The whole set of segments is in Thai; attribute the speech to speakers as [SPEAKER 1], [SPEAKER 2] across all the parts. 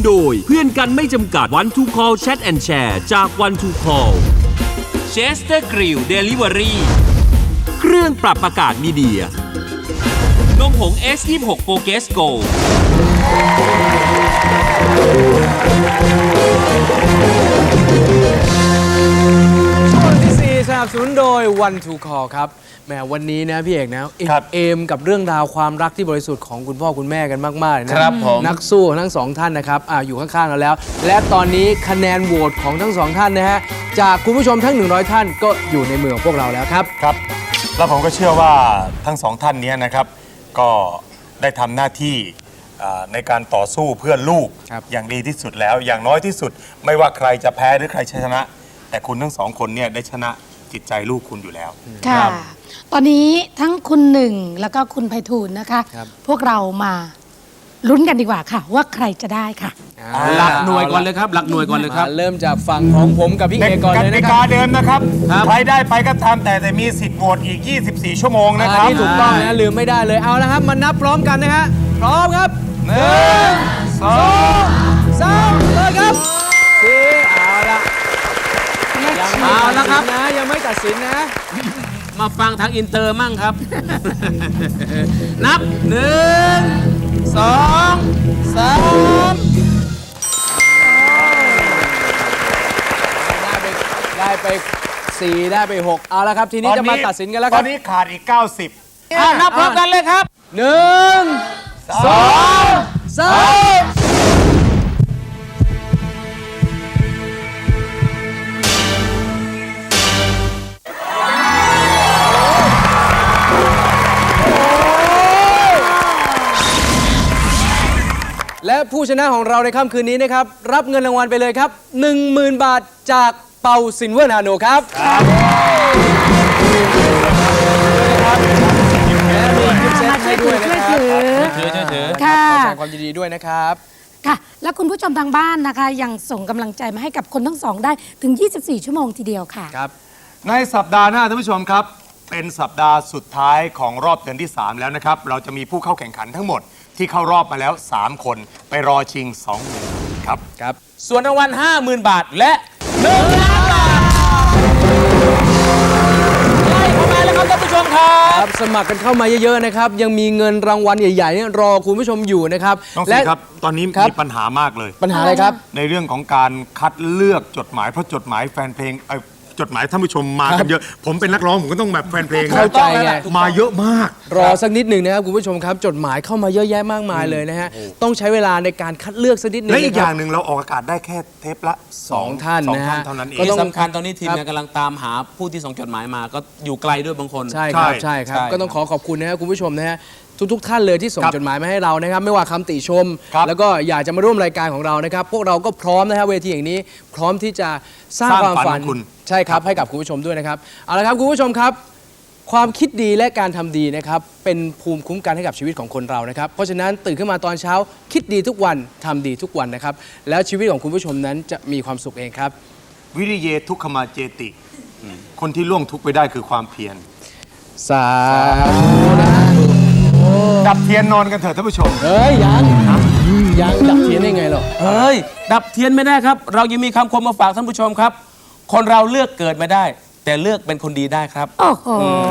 [SPEAKER 1] โดยเพื่อนกันไม่จำกัด One to Call Chat and Share จาก One to Call Chester Grill Delivery เครื่องปรับอากาศมีเดียนมผง S26 Focus Go
[SPEAKER 2] ช่วงที่ 4 สนับสนุนโดย One to Call ครับแหมวันนี้นะพี่เอกนะเอมกับเรื่องราวความรักที่บริสุทธิ์ของคุณพ่อคุณแม่กันมากๆนะครับผมนักสู้ทั้งสองท่านนะครับอยู่ข้างๆเราแล้วและตอนนี้คะแนนโหวตของทั้งสองท่านนะฮะจากคุณผู้ชมทั้ง100ท่านก็อยู่ในมือของพวกเราแล้วครับ
[SPEAKER 3] ครับแล้วผมก็เชื่อว่าทั้งสองท่านนี้นะครับก็ได้ทำหน้าที่ในการต่อสู้เพื่อลูกอย่างดีที่สุดแล้วอย่างน้อยที่สุดไม่ว่าใครจะแพ้หรือใครชนะ แต่คุณทั้งสองคนเนี่ยได้ชนะจิตใจลูกคุณอยู่แล้ว
[SPEAKER 4] ค่ะตอนนี้ทั้งคุณหนึ่งแล้วก็คุณไพฑูรย์นะคะพวกเรามาลุ้นกันดีกว่าค่ะว่าใครจะได้ค่ะ
[SPEAKER 2] หลักหน่วยก่อนเลยครับหลักหน่วยก่อนเลยครับเริ่มจากฝั่งของผมกับพี่เอกก่อนเลยนะครับกติกา
[SPEAKER 3] เดิมนะครับใครได้ไปก็ตามแต่มีสิทธิ์โหวตอีก24ชั่วโมงนะครับ
[SPEAKER 2] ที่ถูกต้องนะลืมไม่ได้เลยเอาละครับมานับพร้อมกันนะฮะพร้อมครับ1 2 3เลยครับเอาละครับนะยังไม่ตัดสินนะมาฟังทางอินเตอร์มั่งครับนับ1 2 3ได้ไป4ได้ไป6เอาละครับทีนี้จะมาตัดสินกันแล้วครับ
[SPEAKER 3] ตอนนี้ขาดอีก90
[SPEAKER 2] นับพร้อมกันเลยครับ1 2 3และผู้ชนะของเราในค่ำคืนนี้นะครับรับเงินรางวัลไปเลยครับ 10,000 บาทจากเปาซิลเวอร์นาโนครับและมีกิฟต์เซตให้ด้วยนะครับถือค่ะขอแสดงความยินดีด้วยนะครับ
[SPEAKER 4] ค่ะและคุณผู้ชมทางบ้านนะคะยังส่งกำลังใจมาให้กับคนทั้งสองได้ถึง24ชั่วโมงทีเดียวค่ะ
[SPEAKER 3] ครับในสัปดาห์หน้าท่านผู้ชมครับเป็นสัปดาห์สุดท้ายของรอบเดือนที่3แล้วนะครับเราจะมีผู้เข้าแข่งขันทั้งหมดที่เข้ารอบมาแล้ว3คนไปรอชิง20,000ครับ
[SPEAKER 2] ส่วนรางวัล 50,000 บาทและ1 ล้านบาทไล่เข้ามาแล้วครับท่านผู้ชมครับสมัครกันเข้ามาเยอะๆนะครับยังมีเงินรางวัลใหญ่ๆเนี่ยรอคุณผู้ชมอยู่นะครับ
[SPEAKER 3] และครับตอนนี้มีปัญหามากเลย
[SPEAKER 2] ปัญหาอะไรครับ
[SPEAKER 3] ในเรื่องของการคัดเลือกจดหมายเพราะจดหมายแฟนเพลงจดหมายท่านผู้ชมมากันเยอะผมเป็นนักร้องผมก็ต้องแบบแฟนเพลง
[SPEAKER 2] เข้าใจไง
[SPEAKER 3] มาเยอะมาก
[SPEAKER 2] รอสักนิดหนึ่งนะครับคุณผู้ชมครับจดหมายเข้ามาเยอะแยะมากมายเลยนะฮะต้องใช้เวลาในการคัดเลือกสักนิดหนึ่ง
[SPEAKER 3] และอีกอย่างหนึ่งเราออกอากาศได้แค่เทปละ
[SPEAKER 2] 2 ท่านนะฮะ
[SPEAKER 3] เท่านั้นเอง
[SPEAKER 2] ที่สำคัญตอนนี้ทีมงานกำลังตามหาผู้ที่ส่งจดหมายมาก็อยู่ไกลด้วยบางคนใช่ครับก็ต้องขอบคุณนะครับคุณผู้ชมนะฮะทุกท่านเลยที่ส่งจดหมายมาให้เรานะครับไม่ว่าคำติชมแล้วก็อยากจะมาร่วมรายการของเรานะครับพวกเราก็พร้อมนะครับเวทีอย่างนี้พร้อมที่จะสร้างความฝันใช่ครับให้กับคุณผู้ชมด้วยนะครับเอาละครับคุณผู้ชมครับความคิดดีและการทำดีนะครับเป็นภูมิคุ้มกันให้กับชีวิตของคนเรานะครับเพราะฉะนั้นตื่นขึ้นมาตอนเช้าคิดดีทุกวันทำดีทุกวันนะครับแล้วชีวิตของคุณผู้ชมนั้นจะมีความสุขเองครับ
[SPEAKER 3] วิริเยทุกขมาเจติคนที่ล่วงทุกข์ไปได้คือความเพียร
[SPEAKER 2] สาธุ
[SPEAKER 3] ดับเทียนนอนกันเถอะท่านผู้ชม
[SPEAKER 2] เฮ้ยยังดับเทียนได้ไงหรอเฮ้ยดับเทียนไม่ได้ครับเรายังมีคำคมมาฝากท่านผู้ชมครับคนเราเลือกเกิดไม่ได้แต่เลือกเป็นคนดีได้ครับ
[SPEAKER 4] โอ้โห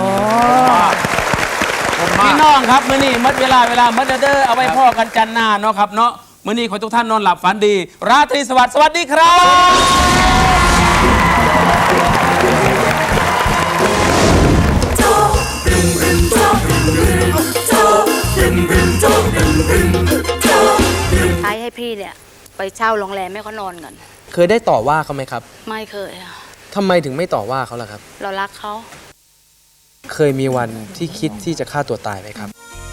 [SPEAKER 2] พี่น้องครับมื้อนี้มัดเวลามัดเด้อเอาไว้พ่อกันจันทร์หน้าเนาะครับเนาะมื้อนี้ขอทุกท่านนอนหลับฝันดีราตรีสวัสดิ์สวัสดีครับ
[SPEAKER 5] ให้พี่เนี่ยไปเช่าโรงแรมให้เขานอนก่อน
[SPEAKER 2] เคยได้ต่อว่าเขาไหมครับ
[SPEAKER 5] ไม่เคย
[SPEAKER 2] ทำไมถึงไม่ต่อว่าเขาล่ะครับ
[SPEAKER 5] เรารักเขา
[SPEAKER 2] เคยมีวันที่คิดที่จะฆ่าตัวตายไหมครับ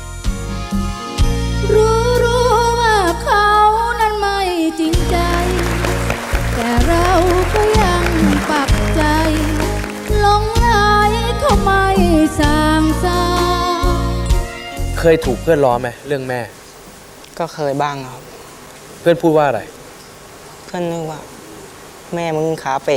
[SPEAKER 6] รู้ว่าเขานั้นไม่จริงใจแต่เราก็ยังปักใจหลงไหลเขาไม่สางซา
[SPEAKER 2] เคยถูกเพื่อนล้อไหมเรื่องแม่
[SPEAKER 7] ก็เคยบ้างครับ
[SPEAKER 2] เพื่อนพูดว่าอะไร
[SPEAKER 7] เพื่อนนึกว่าแม่มึงขาเป๋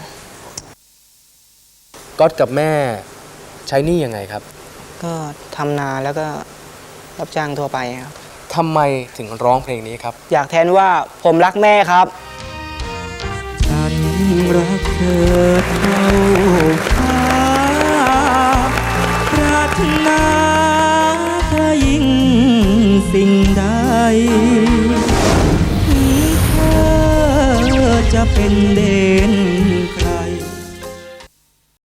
[SPEAKER 2] ก๊อตกับแม่ใช้หนี้ยังไงครับ
[SPEAKER 7] ก็ทำนาแล้วก็รับจ้างทั่วไปครับ
[SPEAKER 2] ททำไมถึงร้องเพลงนี้ครับ
[SPEAKER 7] อยากแทนว่าผมรักแม่ครับ
[SPEAKER 8] ฉันรักเธอเท่าฟ้าปรารถนาเธอยิ่งสิ่งใดถึงเธอจะเป็นเด็